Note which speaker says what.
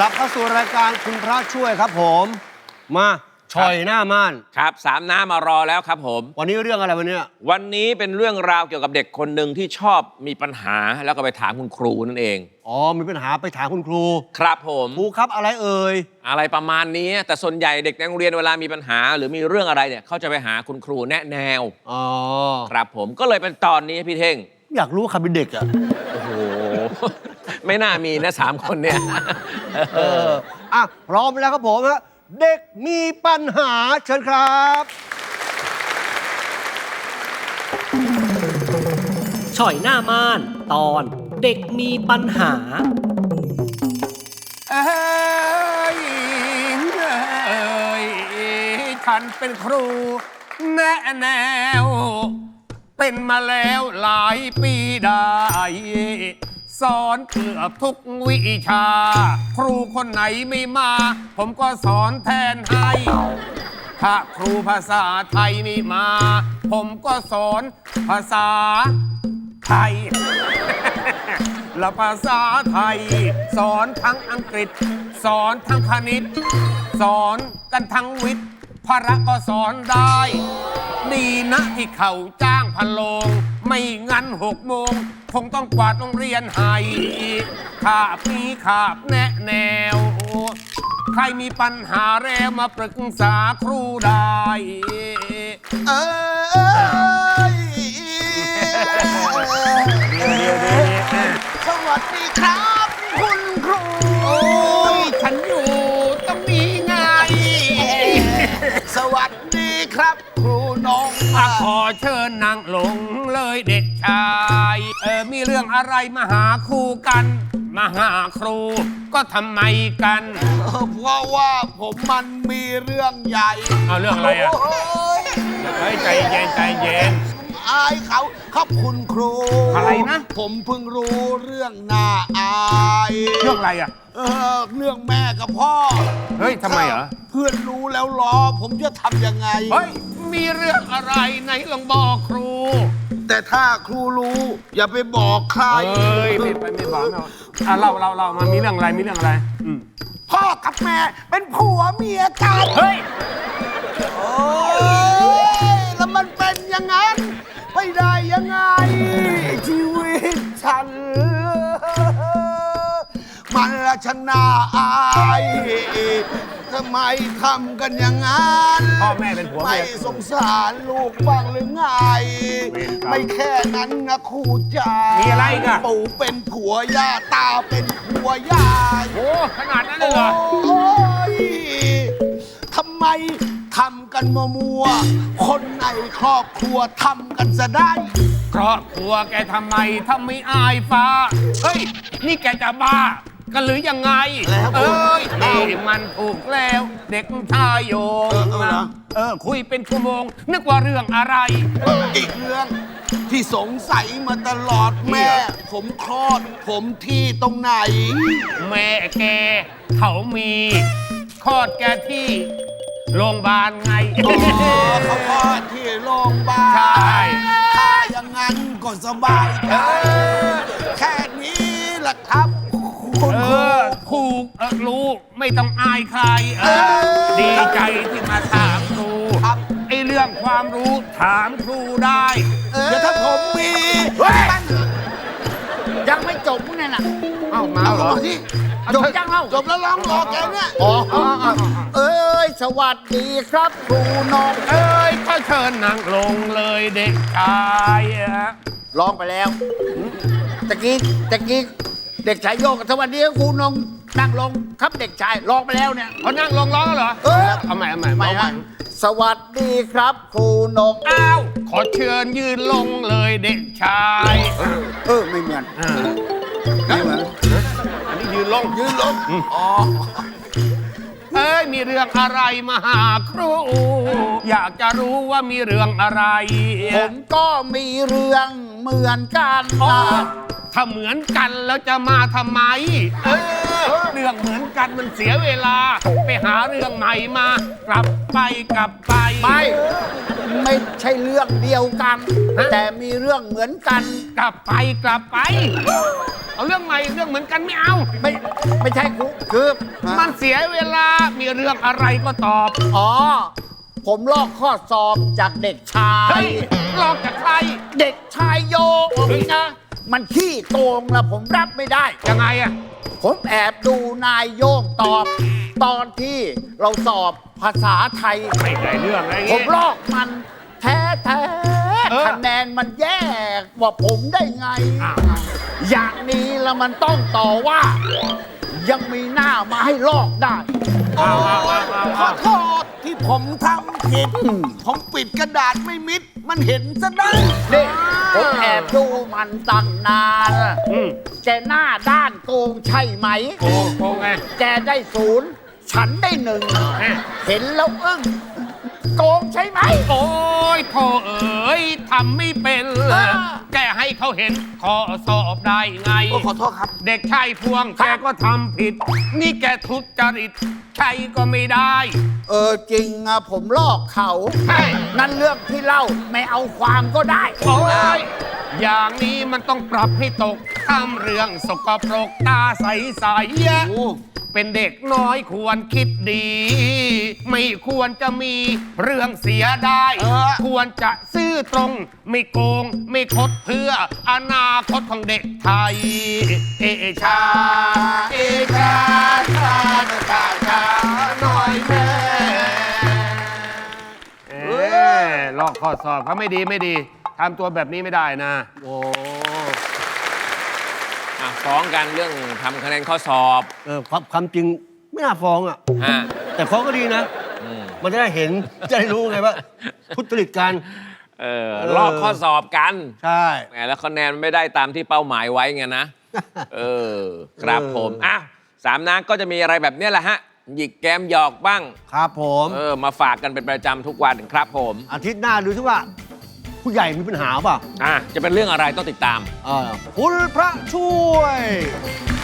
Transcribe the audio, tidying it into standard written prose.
Speaker 1: ลับเข้าสู่รายการคุณพระช่วยครับผมมาช่อยหน้าม่าน
Speaker 2: ครับสามน้ามารอแล้วครับผม
Speaker 1: วันนี้เรื่องอะไรวันนี้
Speaker 2: วันนี้เป็นเรื่องราวเกี่ยวกับเด็กคนหนึ่งที่ชอบมีปัญหาแล้วก็ไปถามคุณครูนั่นเอง
Speaker 1: อ๋อมีปัญหาไปถามคุณครู
Speaker 2: ครับผม
Speaker 1: ครูครับอะไรเอ่ย
Speaker 2: อะไรประมาณนี้แต่ส่วนใหญ่เด็กในโรงเรียนเวลามีปัญหาหรือมีเรื่องอะไรเนี่ยเขาจะไปหาคุณครูแนะแนว
Speaker 1: อ๋อ
Speaker 2: ครับผมก็เลยเป็นตอนนี้พี่เท่ง
Speaker 1: อยากรู้ใครเป็นเด็กอ่ะ
Speaker 2: โอ้โหไม่น่ามีนะ3 คนเนี่ย
Speaker 1: อ่ะพร้อมแล้วครับผมฮะเด็กมีปัญหาเชิญครับ
Speaker 3: ช่อยหน้าม่านตอนเด็กมีปัญหา
Speaker 4: ฉันเป็นครูแนะแนวเป็นมาแล้วหลายปีได้สอนเกือบทุกวิชาครูคนไหนไม่มาผมก็สอนแทนให้ถ้าครูภาษาไทยไม่มาผมก็สอนภาษาไทย และภาษาไทยสอนทั้งอังกฤษสอนทั้งคณิตสอนกันทั้งวิทย์พระก็สอนได้ดีนะที่เขาจ้างพันโลงไม่งั้น6 โมงคงต้องกวาดโรงเรียนให้ขาบนี้ขาบแนะแนวใครมีปัญหาแล้วมาปรึกษาครูได้
Speaker 5: สวัสดีครับคุณครู
Speaker 4: โอ้ยฉันอยู่ตรงนี้ไง
Speaker 5: สวัสดีครับครูน้อง
Speaker 4: ขอเชิญนางลงเลยเด็กชายมีเรื่องอะไรมาหาครูกันมาหาครูก็ทำไมกัน
Speaker 5: เพราะว่าผมมันมีเรื่องใหญ่
Speaker 4: เอาเรื่องอะไรอ่ะใจเย็นใจเย็น
Speaker 5: อายเขาครับคุณครู
Speaker 4: อะไรนะ
Speaker 5: ผมเพิ่งรู้เรื่องน่าอาย
Speaker 4: เรื่องอะไรอ่ะ
Speaker 5: เรื่องแม่กับพ่อ
Speaker 4: เฮ้ยทำไมเหรอ
Speaker 5: เพื่อนรู้แล้วล้อผมจะทำยังไง
Speaker 4: เฮ้ยมีเรื่องอะไรไหนลองบอกครู
Speaker 5: แต่ถ้าครูรู้อย่าไปบอกใคร
Speaker 4: เฮ้ยไม่บอกเรามามีเรื่องอะไรมีเรื่องอะไร
Speaker 5: พ่อกับแม่เป็นผัวเมียกัน
Speaker 4: เฮ้ย
Speaker 5: โอ้ยแล้วมันเป็นอย่างนั้นไม่ได้ยังไงชีวิตฉันมันละชนะอายทำไมทำกันอย่างนั้น
Speaker 4: พ่อแม่เป็นผัว
Speaker 5: ไม่สงสารลูกบ้างหรือไงไม่แค่นั้นนะครูจ๋า
Speaker 4: มีอะไรกัน
Speaker 5: ปู่เป็นผัวย่าตาเป็นผัวยาย
Speaker 4: โอ้ขนาดนั้นเลยเหรอ
Speaker 5: โอ้ยทำไมทำกันมัวคนในครอบครัวทำกันซะได้
Speaker 4: ครอบครัวแกทำไมทำไม่อายฟ้าเฮ้ยนี่แกจะบ้ากันหรือยังไงนี่มันถูกแล้วเด็กชายโยงคุยเป็นชั่วโมงนึกว่าเรื่องอะไร
Speaker 5: อีกเรื่องที่สงสัยมาตลอดแม่ผมคลอดผมที่ตรงไหน
Speaker 4: แม่แกเขามีคลอดแกที่โรงพยาบาลไง
Speaker 5: เขาคลอดที่โรงพยาบาล
Speaker 4: ใช่
Speaker 5: ถ้าอย่างนั้นก็สบายใจแค่นี้แหละครับคุณ
Speaker 4: ครูรู้ไม่ต้องอายใครดีใจที่มาถามครูไอเรื่องความรู้ถามครูได้
Speaker 5: เดี๋ยวถ้าผมมียังไม่จบเนี่ยนะ
Speaker 4: เอ้ามาเหรอ
Speaker 5: จบยังเล่าจบแล้วร้องรอแกเนี่ยสวัสดีครับครูน้อง
Speaker 4: ก็เชิญนั่งลงเลยเด็กชาย
Speaker 5: ร้องไปแล้วตะกี้เด็กชายโยกสวัสดีครูน้องนั่งลงครับเด็กชายร้องไปแล้วเนี่ย
Speaker 4: เขานั่งลงร้องเหรอเอาใหม่
Speaker 5: สวัสดีครับครูนก
Speaker 4: อ้าวขอเชิญยืนลงเลยเด็กชาย
Speaker 5: ไม่เหมือน
Speaker 4: อันนี้ยืนลง
Speaker 5: อ๋อ
Speaker 4: มีเรื่องอะไรมาหาครูอยากจะรู้ว่ามีเรื่องอะไร
Speaker 5: ผมก็มีเรื่องเหมือนกัน
Speaker 4: ถ้าเหมือนกันแล้วจะมาทำไมเรื่องเหมือนกันมันเสียเวลาไปหาเรื่องใหม่มากลับไป
Speaker 5: ไม่ใช่เรื่องเดียวกันแต่มีเรื่องเหมือนกัน
Speaker 4: กลับไปเอาเรื่องใหม่เรื่องเหมือนกันไม่เอา
Speaker 5: ไม่ใช่ครูคือ
Speaker 4: มันเสียเวลามีเรื่องอะไรก็ตอบ
Speaker 5: อ๋อ ผมลอกข้อสอบจากเด็กชา
Speaker 4: เฮ้
Speaker 5: ย
Speaker 4: ยลอกจากใคร
Speaker 5: เด็กชายโยนี่นะ มันขี้โกงนะผมรับไม่ได้
Speaker 4: ยังไงอะ
Speaker 5: ผมแอบดูนายโยงตอบ ตอนที่เราสอบภาษาไทย
Speaker 4: ไม่ได้เรื่องอะไร
Speaker 5: ผ
Speaker 4: เงี้
Speaker 5: ม
Speaker 4: ย
Speaker 5: ลอกมันแท้
Speaker 4: เออ
Speaker 5: คะแนนมันแย่กว่าผมได้ไง อย่างนี้แล้วมันต้องต่อว่า ยังมีหน้ามาให้ลอกได้
Speaker 6: ขอโทษที่ผมทำผิด ผมปิดกระดาษไม่มิด มันเห็นซะได้
Speaker 5: นี่ผมแอบดูมันตั้งนาน
Speaker 4: อืม
Speaker 5: แกหน้าด้านโกงใช่ไหม
Speaker 4: โกงไง
Speaker 5: แกได้0 ฉันได้1 เห็นแล้วอึ้งโกงใช่ไหม
Speaker 4: โอ้ยโธ่เอ๋ยทำไม่เป็น แกให้เขาเห็นข้อสอบได้ไง
Speaker 6: โอ้ขอโทษครับ
Speaker 4: เด็กชายพวงแกก็ทำผิด นี่แกทุจริตใช่ก็ไม่ได้
Speaker 5: จริงอะผมลอกเขา
Speaker 4: ใช่
Speaker 5: นั่นเรื่องที่เล่าไม่เอาความก็ได้
Speaker 4: โอ้ยอย่างนี้มันต้องปรับให้ตกทำเรื่องสกปรกตาใสๆเป็นเด็กน้อยควรคิดดี ไม่ควรจะมีเรื่องเสียได้ ควรจะซื่อตรง ไม่โกง ไม่คดเพื่ออนาคตของเด็กไทย เอชา เอชาชาชาชาหน่อยแม่ลอกข้อสอบเขาไม่ดีไม่ดีทำตัวแบบนี้ไม่ได้นะ
Speaker 1: โอ้
Speaker 2: ฟ้องกันเรื่องทำคะแนนข้อสอบ
Speaker 1: ความจริงไม่น่าฟ้องอ่ะ
Speaker 2: ฮะ
Speaker 1: แต่ฟ้องก็ดีนะ
Speaker 2: อืม
Speaker 1: มันจะได้เห็น จะได้รู้ไงว่าทุจริตกัน
Speaker 2: ลอกข้อสอบกัน
Speaker 1: ใช่
Speaker 2: แหมแล้วคะแนนไม่ได้ตามที่เป้าหมายไว้ไงนะ ครับผมอ้าวสามนักก็จะมีอะไรแบบเนี้ยแหละฮะ หยิกแกมหยอกบ้าง
Speaker 1: ครับผม
Speaker 2: มาฝากกันเป็นประจำทุกวันครับผม
Speaker 1: อาทิตย์หน้าดูซิว่า ผู้ใหญ่มีปัญหาเปล่า
Speaker 2: จะเป็นเรื่องอะไรต้องติดตาม
Speaker 1: คุณพระช่วย